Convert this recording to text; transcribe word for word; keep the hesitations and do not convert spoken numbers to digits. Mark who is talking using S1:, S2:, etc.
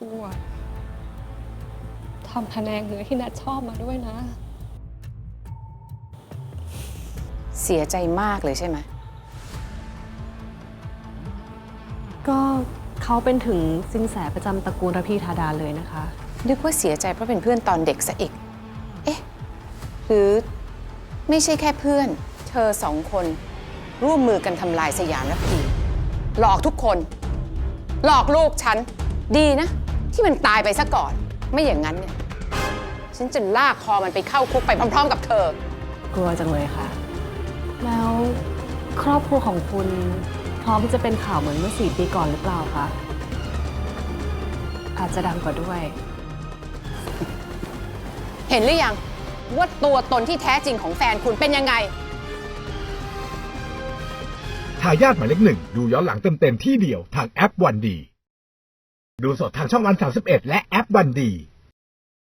S1: พู่อะทำพะแนงเนื้อที่นัดชอบมาด้วยนะ
S2: เสียใจมากเลยใช่ไหม
S3: ก็เขาเป็นถึงสินแสประจำตระกูลระพีธาดาเลยนะคะ
S2: นึกว่าเสียใจเพราะเป็นเพื่อนตอนเด็กซะอีก เอ๊ะ หรือไม่ใช่แค่เพื่อน เธอสองคนร่วมมือกันทำลายสยามระพีหลอกทุกคน หลอกลูกฉัน ดีนะ ที่มันตายไปซะก่อน ไม่อย่างนั้นเนี่ย ฉันจะลากคอมันไปเข้าคุกไปพร้อมๆกับเธอ
S3: กลัวจังเลยค่ะ แล้วครอบครัวของคุณพร้อมที่จะเป็นข่าวเหมือนเมื่อสี่ปีก่อนหรือเปล่าคะ อาจจะดังกว่าด้วย
S2: เห็นหรือยังว่าตัวตนที่แท้จริงของแฟนคุณเป็นยังไง
S4: ทายาทหมายเลขหนึ่งดูย้อนหลังเต็มๆที่เดียวทางแอปวันดี ดูสดทางช่องวันสามสิบเอ็ดและแอปวันดี